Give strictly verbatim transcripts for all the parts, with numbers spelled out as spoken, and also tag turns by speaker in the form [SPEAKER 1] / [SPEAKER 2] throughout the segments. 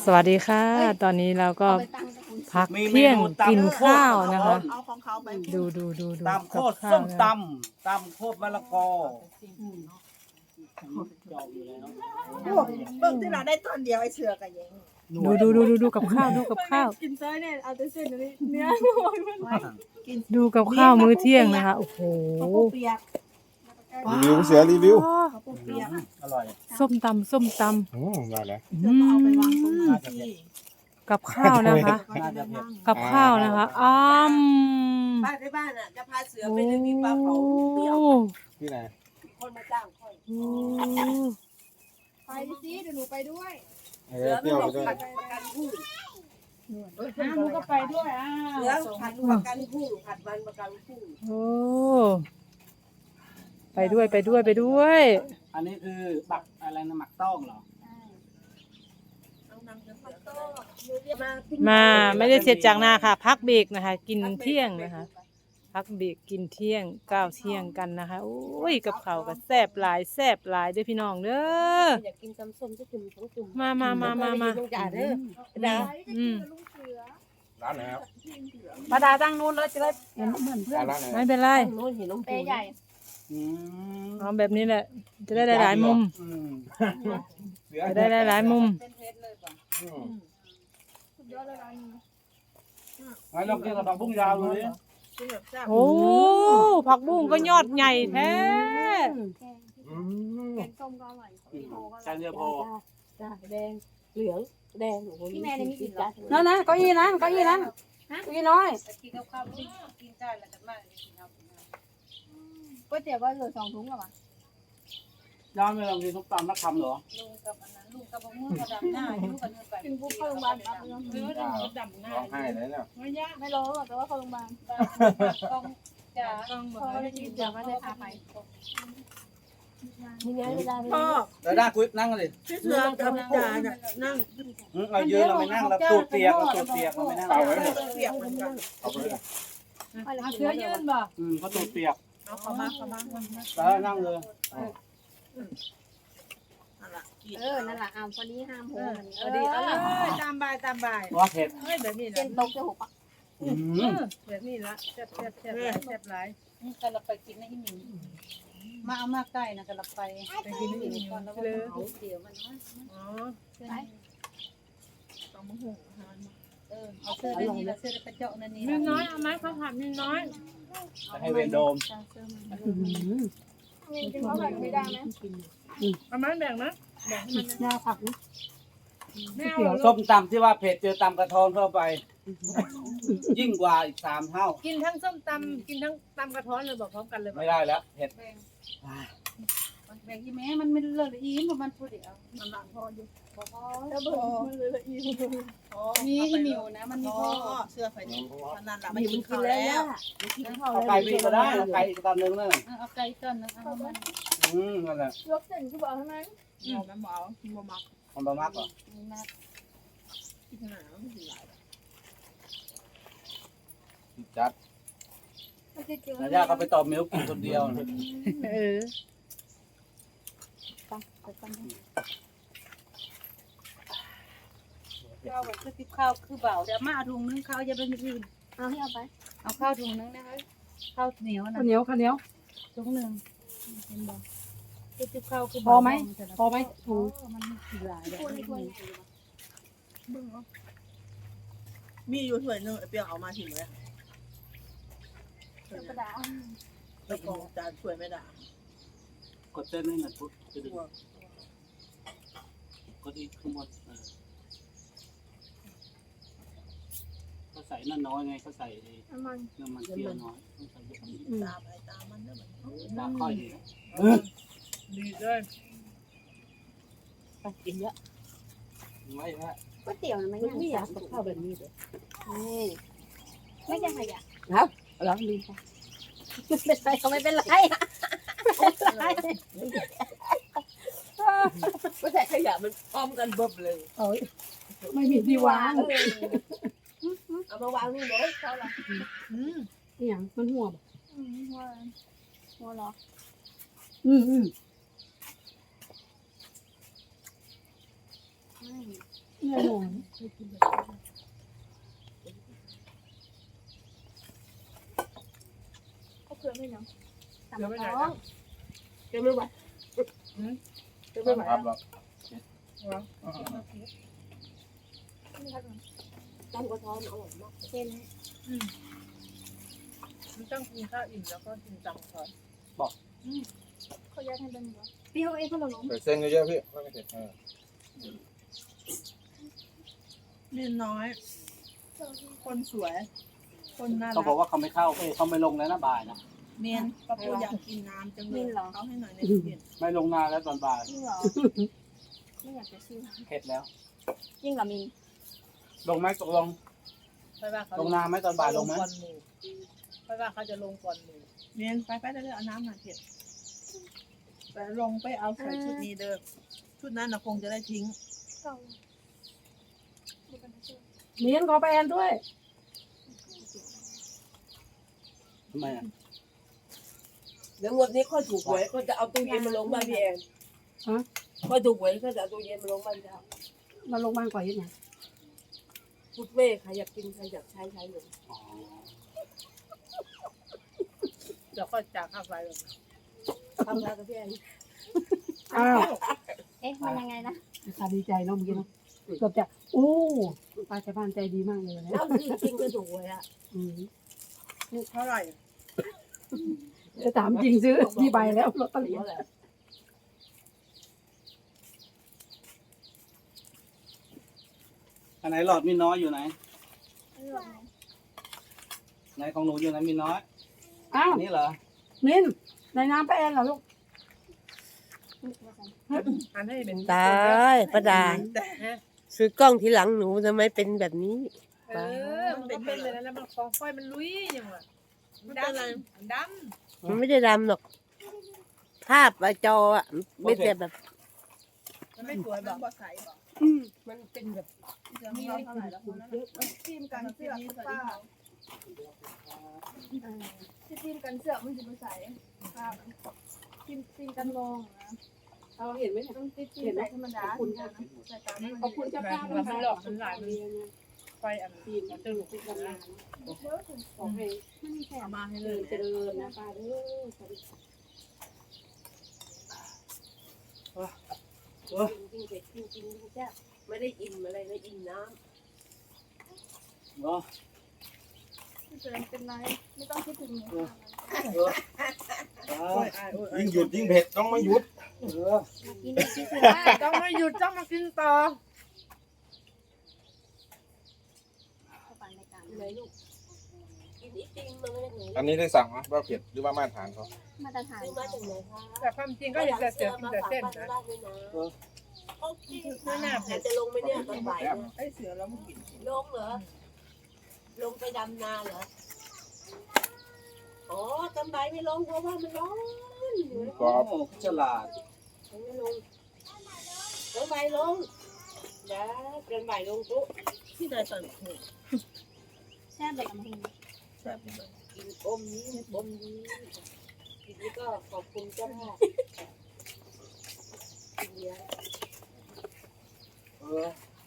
[SPEAKER 1] วัสดีค่ะตอนนี้เราก็พักเที่ยงกินข้าวนะคะดูดูดูดู
[SPEAKER 2] ตำโคตร
[SPEAKER 1] ข้า
[SPEAKER 2] ส้
[SPEAKER 1] ว
[SPEAKER 2] ม
[SPEAKER 1] นะ
[SPEAKER 2] ตำตำโคตรมะละกอ
[SPEAKER 3] เบิ่งที่เราได้ตอนเดียวไอ้เสือกับยัง
[SPEAKER 1] ดูดูดูดูดูกับข้าวดูกับข้าว
[SPEAKER 4] กินเส้นเนี่ยเอาแต่เส้นนี้เนื้อ
[SPEAKER 1] ดูกับข้าวมื้อเที่ยงนะคะโอ้โห
[SPEAKER 3] ข้าวปูเปียก
[SPEAKER 5] รีวิวเสือรีวิว
[SPEAKER 3] ข้าวปูเปียก
[SPEAKER 2] อร่อย
[SPEAKER 1] ส้มตำส้มต
[SPEAKER 5] อืมได้แล้ว
[SPEAKER 1] ำ
[SPEAKER 3] เดี๋ยวเอาไปวางตรงนี้ที่
[SPEAKER 1] กับข้าวนะคะ
[SPEAKER 2] น่าจะเผ็ด
[SPEAKER 1] กับข้าวนะคะอ้าม
[SPEAKER 3] บ้านที่บ้านอ่ะจะพาเสือ
[SPEAKER 1] โอ้
[SPEAKER 3] ไปเลี้ยงปลาเผาเปรี้ยว
[SPEAKER 5] ที่ไหน
[SPEAKER 3] คนมาจ้างค่อย
[SPEAKER 4] ไปสิเดี๋ยวหนูไปด้วย
[SPEAKER 5] เอ
[SPEAKER 3] เสื
[SPEAKER 5] อ
[SPEAKER 3] อ
[SPEAKER 5] เที่
[SPEAKER 3] ไม่
[SPEAKER 5] ยว
[SPEAKER 3] บ
[SPEAKER 5] ไป
[SPEAKER 3] อก
[SPEAKER 5] ด้วย
[SPEAKER 3] ผัดประกันผู้
[SPEAKER 4] น้าหนูก็ไปด้วยอ่ะ
[SPEAKER 3] เสือผัดประกันผู้ผัดวันประกันผู้
[SPEAKER 1] โอ้ไปด้วยไปด้วยไปด้วย
[SPEAKER 2] อันนี้คือบักอะไรนะหมักต้องเหรอ
[SPEAKER 3] เอานำเสือผัดโต้มา
[SPEAKER 1] มาไม่ได้เสร็จจากนาค่ะ พักเบรกนะคะ กินเที่ยงนะคะ พักเบรกกินเที่ยงก้าวเที่ยงกันนะคะโอ้ยกับเขาวก็แซ่บหลายแซ่บหลายเด้อพี่น้องเด้อ
[SPEAKER 3] อยากกินตำส้มจะจุ่มทั้งจุ่ม
[SPEAKER 1] มามามามามา
[SPEAKER 3] ลูกจ่าเด้อนะ
[SPEAKER 1] อืม
[SPEAKER 5] ร้านไหนครับ
[SPEAKER 1] มาดาตั้งนู้นแล้วจะได้
[SPEAKER 5] ร้านไหน
[SPEAKER 1] ไม่เป็นไร
[SPEAKER 3] โน้นเห็นน้อง
[SPEAKER 4] เปใหญ่
[SPEAKER 2] อืม
[SPEAKER 1] เอาแบบนี้แหละ จะได้หลายๆมุม
[SPEAKER 2] อืม
[SPEAKER 1] จะได้หลายๆมุม
[SPEAKER 5] อืม
[SPEAKER 4] สุดยอดเลยร้านนี้
[SPEAKER 2] งั้นลองกินกับผักบุ้งยาวเลย
[SPEAKER 3] กินแบบแซ่บ
[SPEAKER 1] โอ้ผักบุ้งก็ยอดใหญ่แท้
[SPEAKER 5] อืม
[SPEAKER 4] แกงส้มก็อร่อย
[SPEAKER 2] จานเดียวพอ
[SPEAKER 3] จ้าแดงเหลืองแดง
[SPEAKER 4] พี่แม่ในมีกลิ่นเหรอ
[SPEAKER 6] นั่นนะเก้าอี้นั้นเก้าอี้นั้นเก้าอี้น้อย
[SPEAKER 4] ก๋วยเตี๋ยวก็เหลือสองถุงหรอวะ
[SPEAKER 2] ย้อนไปลองกินส้มตำนักคำเหรอ
[SPEAKER 4] กินปุ๊บเข้าโรงพยาบาลปั๊บเลย
[SPEAKER 5] ร้องไห้เลยเนี่ย
[SPEAKER 4] ไม่รู้หรอกแต่ว่าเข้าโรงพยาบาลจ้าพอได้กินเดี๋ยวก็ได้พาไป
[SPEAKER 3] มีไงเวลา
[SPEAKER 6] พ่อ
[SPEAKER 2] เดี๋ยวได้คุยนั่งกันเลย
[SPEAKER 6] พี่เสือกับพี่จ๋าน่ะนั่ง
[SPEAKER 2] อืมเรายืนเราไม่นั่งเราตูดเปียกเราตูดเปียกเราไม่นั่ง
[SPEAKER 5] เปล่าไว้หมด
[SPEAKER 3] เปียกเหมือนกัน
[SPEAKER 5] เอาไปเลย
[SPEAKER 4] เชื้อยืนบ่
[SPEAKER 2] อืมเขาตูดเปียก
[SPEAKER 3] เอาเข้ามาเข้ามา
[SPEAKER 2] แล้วนั่งเลย
[SPEAKER 3] นั่นแหละ
[SPEAKER 4] เออนั่นแหละอ่าพอดีห้ามโหมัน
[SPEAKER 6] เออดีเออตามบายตามบาย
[SPEAKER 2] ว่าเผ็ด
[SPEAKER 6] เฮ้ยแบบนี้
[SPEAKER 4] เส้
[SPEAKER 6] ละ
[SPEAKER 4] นตกจะหกอ่ะ
[SPEAKER 2] อืม
[SPEAKER 6] แบบนี้ละแซ่บแซ่บแซ่บหลายแซ่บหลาย
[SPEAKER 7] กันเราไปกินนะอีหมิงมาเอามาใกล้นะกันเราไป
[SPEAKER 6] ไปกินนี่
[SPEAKER 7] ก่อนแล้วก็
[SPEAKER 6] เลย
[SPEAKER 7] เอาเดี๋ยวมันมา
[SPEAKER 6] อ๋อ
[SPEAKER 3] ต้องมาหุง
[SPEAKER 7] เออเอาเสื้อได้นี่ละเสื้อได้กระเจาะนั่นนี่
[SPEAKER 6] มีน้อยเอาไหมข้าวผัดมีน้อย
[SPEAKER 2] จะให้เวนโดม
[SPEAKER 4] มีกินข้าวผัดไม่ได้ไหม
[SPEAKER 6] เอาไหมแบ่งนะยาผักนะไม่เอา
[SPEAKER 2] ส้มตำที่ว่าเผ็ดเจอตำกระทอนเข้าไป ยิ่งกว่าอีกสามเท่า
[SPEAKER 6] กินทั้งส้มตำกินทั้งตำกระท้อนเลยบอกพร้อมกันเลย
[SPEAKER 2] ไม่ได้แล้วเผ็ด
[SPEAKER 7] แบ่งอีแม่มันไม่เลิศอีมมันพูดเดี๋ยว
[SPEAKER 3] มันหนักพออยู่
[SPEAKER 4] แล้วเบิร์มันเลยละอี
[SPEAKER 7] มีอีหมิวนะมันมี
[SPEAKER 3] พ่
[SPEAKER 7] พ่
[SPEAKER 3] อ
[SPEAKER 7] อ
[SPEAKER 3] เสื้อไฟนี่มันนั่นแหละมัมัน นกิ กินนข้าข้าว วแล้แล้ว ว
[SPEAKER 2] เอาไก่วิ่งก็ได้เอาไก่อีกตอนนึงนั่น
[SPEAKER 7] เอาไก่ต้นนะเอามัน
[SPEAKER 2] อืมนั่นแหละ
[SPEAKER 4] ยกเส้นคือบอกทำไม
[SPEAKER 3] เอาแม่หมอบ่มัก
[SPEAKER 2] มันประมากกว่า
[SPEAKER 7] มา
[SPEAKER 3] กินหนาไม่กินหลาย
[SPEAKER 5] จัด
[SPEAKER 4] ไม่ได้เจอ
[SPEAKER 2] แล้วย่าก็ไปตอบมิลกินคนเดียวนะ
[SPEAKER 1] เออ
[SPEAKER 7] ข้าวแบบคือติบข้าวคือเบาเดี๋ยวมาเอาถุงนึงข้าวจะเป็นอื่น
[SPEAKER 4] เอาให้เอาไป
[SPEAKER 7] เอาข้าวถุงนึงนะคะข้าวเหนียวนะ
[SPEAKER 6] ข้าวเหนียวข้าวเหนียว
[SPEAKER 7] ถุงหนึ่งเป็นบ่คือติบข้าวคือ
[SPEAKER 6] พอไหมพอไหมถูก
[SPEAKER 7] มันมีหลายแบบ
[SPEAKER 4] ควรควร
[SPEAKER 3] มีอยู่ถ้วยนึงไอ้เปียกเอามาถิ่มเลย
[SPEAKER 4] เสื้อกระดาษ
[SPEAKER 3] แล้วกองจานถ้วยไม่ได้
[SPEAKER 2] กดเต้นนี่หน่อยปุ๊บจะดึงกดอีกข้างบนเออเขาใส่นั่นน้อยไงเขาใส่
[SPEAKER 4] น้ำมัน
[SPEAKER 2] น้ำมันเปรี้ยวน้อยต้องใส่เยอะกว่านี้
[SPEAKER 3] ตามไปตามมันเด้อมัน
[SPEAKER 2] ตาค่อยดี
[SPEAKER 6] ดีเลย
[SPEAKER 3] ไปกินเยอะ
[SPEAKER 2] ไม่ฮะ
[SPEAKER 4] ก๋วยเตี๋ยวนะไม่
[SPEAKER 3] มัน
[SPEAKER 4] ง่าย
[SPEAKER 3] ไม่อยากกับข้าวแบบนี้เลย
[SPEAKER 4] นี่ไม่ใช่ขยะ
[SPEAKER 3] แล้วแล้วดีค่ะ
[SPEAKER 4] ไม่เป็นไรเขาไม่เป็นไร
[SPEAKER 3] ไม่ใช่ขยะมันพร้อมกันเบิบเลย
[SPEAKER 6] ไม่มีที่วาง
[SPEAKER 3] เอามาวางนี่เลยเขาละ
[SPEAKER 6] นี่อย่างมันหัว
[SPEAKER 4] อืมหัวหัวเหรอ
[SPEAKER 6] อืมอืม
[SPEAKER 4] ไม่
[SPEAKER 6] เนี่ยหัว
[SPEAKER 4] เขาเผื่อไม่ยังตาม
[SPEAKER 6] เดี๋ยวไปไหน
[SPEAKER 4] ท้อ
[SPEAKER 6] นะ
[SPEAKER 4] งเดี๋ยวไม่ไหว
[SPEAKER 6] เดี๋ยวไปไหน
[SPEAKER 5] ครับหรอก
[SPEAKER 3] ตำกระท้อนอร่อยมาก
[SPEAKER 4] เป็น
[SPEAKER 6] มันต้องกินข้าวอิ่มแล้วก็กินตังก่อน
[SPEAKER 4] เขาย้ายทางเดินเหรอเปรี้ยวเองเขาหลง
[SPEAKER 5] ใส่เส้นเยอะๆพี่ไม่เผ็ดเออ
[SPEAKER 6] เรียนน้อย คนสวย คนน่า
[SPEAKER 2] เขา
[SPEAKER 6] รั
[SPEAKER 2] บอก
[SPEAKER 6] ก
[SPEAKER 2] ว่าเขาไม่เข้าเอ้ยเขาไม่ลงแล้วนะบ่ายนะ
[SPEAKER 6] เมียนป้าปูอยากกินน้ำจังเลยเขาให้หน่อยในเย็น
[SPEAKER 2] ไม่ลงนานแล้วตอนบ่าย
[SPEAKER 4] จริงเหรอไม่อยากจะซื้อ
[SPEAKER 2] เข็ดแล้ว
[SPEAKER 4] จริงเหรอมิน
[SPEAKER 2] ลงไหมตกลง
[SPEAKER 6] ไปว่าเขา
[SPEAKER 2] ลงนานไหมตอนบ่ายลงไหม
[SPEAKER 6] ก่อนหมู่ไปว่าเขาจะลงก่อนหมู่เมียนไปไปเรื่อยๆเอาน้ำมาเผ็ดแต่ลงไปเอาใส่ชุดนี้เด้อชุดนั้นนะคงจะได้ทิ้ง
[SPEAKER 4] เก่าดูกันนะเชื่อ
[SPEAKER 7] เมียนขอไปแอนด้วย
[SPEAKER 2] ทำไมอ่ะ
[SPEAKER 3] เดี๋ยววันนี้ค่อยถูกหวยก็จะเอาตู้เย็นมาลงบ้านพี่แอนค่อยถูกหวยก็จะเอาตู้เย็นมาลงบ้านพี่ดาว
[SPEAKER 7] มาลงบ้านก่อนยังไง
[SPEAKER 3] พุดเว่ใครอยากกินใครอยากใช้ใช้เลย
[SPEAKER 2] อ๋อ
[SPEAKER 6] เดี๋ยวก็จากข้าวไฟเลย
[SPEAKER 3] ทำงานกับพี่แอน
[SPEAKER 7] อ้าว
[SPEAKER 4] เอ๊ะมันยังไงนะ
[SPEAKER 7] ตาดีใจเนาะเมื่อกี้เนาะเกือบจะโอ้ป้าชาวบ้านใจดีมากเลยนะ
[SPEAKER 3] แล้วจริงๆก็ถูกหวยอ่ะ
[SPEAKER 7] อืม
[SPEAKER 6] ลูกเท่าไหร่
[SPEAKER 7] จะถามจริงซื้อที่ใบแล้วลอตเตอรี่
[SPEAKER 3] เท่าไหร่
[SPEAKER 2] อันไหนหลอดมีน้อยอยู่ไหน
[SPEAKER 4] ไม่หรอกนะ
[SPEAKER 2] ไหนของหนูอยู่ไหนมีน้อย
[SPEAKER 7] อ้าว
[SPEAKER 2] อันนี้เหรอ
[SPEAKER 7] มินในน้ำป้าแอนเหรอลูก
[SPEAKER 6] อันให้เป็น
[SPEAKER 8] ตายประดา
[SPEAKER 6] แต่
[SPEAKER 8] ซื้อกล้องทีหลังหนูทำไมเป็นแบบนี้
[SPEAKER 6] เออมันเป็นเป็นเลยนะแล้วมันฟองไฟมันลุยอย่างวะมันดำมันด
[SPEAKER 8] มันไม่ได้ดำหรอก ภาพอะจออะไม่แต่แบบ
[SPEAKER 6] ำมันไม่สวยแบบบ่ใสบอก
[SPEAKER 3] มันเป็นแบบ
[SPEAKER 6] มีเท่าไหร่แล้วคนนั้นทีมกันเสื้อผ้า
[SPEAKER 4] ที่ทีมกันเสื้อมันจะไปใส่ครับทีมทีมกันลงนะ
[SPEAKER 7] เราเห็นไหม
[SPEAKER 4] ต้องติดทีมใส่ธรรมดาใส่ตามนั้น
[SPEAKER 7] ขอบคุณเจ้าภาพ
[SPEAKER 6] มันหลอกมันหลายมันไฟอันทีมมันจะลุกขึ้นมา
[SPEAKER 7] ขอให้
[SPEAKER 4] ไม่มีแถ
[SPEAKER 6] เอา
[SPEAKER 4] ม
[SPEAKER 6] มาให้
[SPEAKER 7] เจ
[SPEAKER 6] เล
[SPEAKER 7] ริ
[SPEAKER 6] ย
[SPEAKER 7] ญเจริญนะป้าเด้อ
[SPEAKER 3] จริงๆเผ็ดจริงๆจริงๆแซ่บไม่ได้อิ่มอะไรนะอิ่มน้
[SPEAKER 2] เนาะ
[SPEAKER 4] ไม่เป็นไรไม่ต้องคิดถึงหนู
[SPEAKER 2] เออ
[SPEAKER 5] ยิ่งหยุดยิ่งเผ็ดต้องไม่หยุด
[SPEAKER 2] เออ
[SPEAKER 4] กินคิดถึงว่า
[SPEAKER 6] ต้องไม่หยุดต้องมากินต่อ
[SPEAKER 4] เขาปั่นรายการ
[SPEAKER 3] ำเลยลูกกินอีติงมาไม่ได้ไหน
[SPEAKER 5] อันนี้ได้สั่งไหมว่าเผ็ดหรือว่ามาตรฐานเขา
[SPEAKER 4] มาตรฐาน
[SPEAKER 3] ซื้อมาจากไหนคะ
[SPEAKER 6] แต่ความจริงก็เห็นแต่เสือกินแต่เส้นนะ
[SPEAKER 3] โอเคค่ะจะลงไปเนี่ยตอนบ่ายเนี่ย
[SPEAKER 6] ไอ้เสือแล้วมันกิน
[SPEAKER 3] ลงเหรอ ลงไปดำนาเหรอ อ๋อตอนบ่ายไม่ลงเพราะว่ามันร้อน
[SPEAKER 5] กรอบ
[SPEAKER 2] โอ้ฉลาด
[SPEAKER 3] ไม่ลงตอนบ่ายลงเดี๋ยวตอนบ่ายลงปุ๊บที่ไหนตอน
[SPEAKER 4] แช่แบบน้ำมัน
[SPEAKER 3] กินอมนี้อมนี้ทีนี้ก็ขอบคุณเจ้าภาพกินเยอะ
[SPEAKER 2] เออ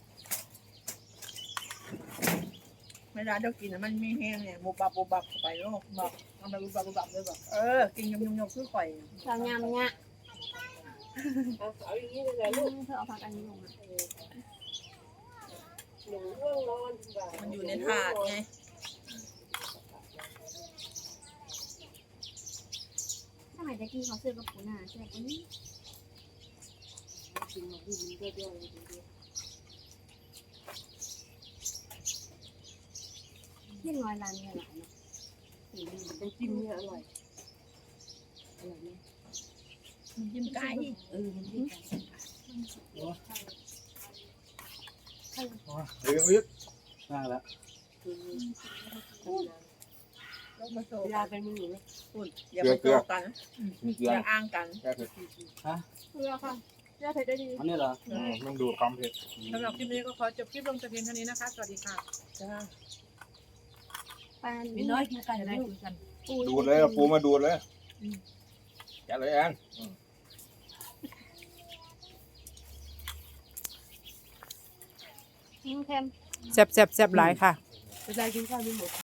[SPEAKER 6] เวลาเดี๋ยวกินมันมีแห้งเนี่ยบุบบับบุบบับเข้าไปแล้วบอกทำไมบุบบับบุบบับเลยบอกเออกินยำยำยำคือข่อย
[SPEAKER 4] เรายำเนี่ย
[SPEAKER 3] เอาเอาอย่างนี้เลยแหละลูก
[SPEAKER 4] เธอเอาผักอันนี้ลงมา
[SPEAKER 3] หนูง่วงนอนบ่าย
[SPEAKER 6] มันอยู่ในถาดไง
[SPEAKER 4] สมัยตะกี้เขาซื้อกับปูนาใช่ไหมอันนี้
[SPEAKER 3] กินมาดูมันเยอะๆเลย
[SPEAKER 4] ที่น้อยร้านเนี่ยหลายเนาะ
[SPEAKER 3] น้ำจิ้มเนี่ยอร่อยอร่อยไหม
[SPEAKER 6] มันจิ้มไก่
[SPEAKER 3] เออมันจิ้มไก่
[SPEAKER 5] เดี๋ยวยึด
[SPEAKER 2] น่าละ
[SPEAKER 6] แล้วมาโซ่
[SPEAKER 3] เวลาเป็นมือไหม
[SPEAKER 6] พูดอย่ามาโซ่กัน
[SPEAKER 5] มีเกลื
[SPEAKER 6] อ
[SPEAKER 5] อย่าง
[SPEAKER 6] อ้างกัน
[SPEAKER 5] แค่เผ็ด
[SPEAKER 4] เพื่อค่ะเพื่อเผ็ดได้ดี
[SPEAKER 2] อันนี้เหรอ
[SPEAKER 5] อืมมันดูดความเผ็ด
[SPEAKER 6] สำหรับคลิปนี้ก็ขอจบคลิปลงแต่เพียงเท่านี้นะคะ สวัสดีค่ะ
[SPEAKER 4] ปลา
[SPEAKER 3] มีน้อยกินไก่
[SPEAKER 6] จะ
[SPEAKER 3] ได้
[SPEAKER 6] ได้คุยกัน
[SPEAKER 5] ดูดเลยเอาปูมาดูดเลยแกะเลยแอนอืม
[SPEAKER 4] เค็ม
[SPEAKER 1] แซ่บแซ่บแซ่บหลายค่ะ
[SPEAKER 3] จะได้กินข้าวไม่หมด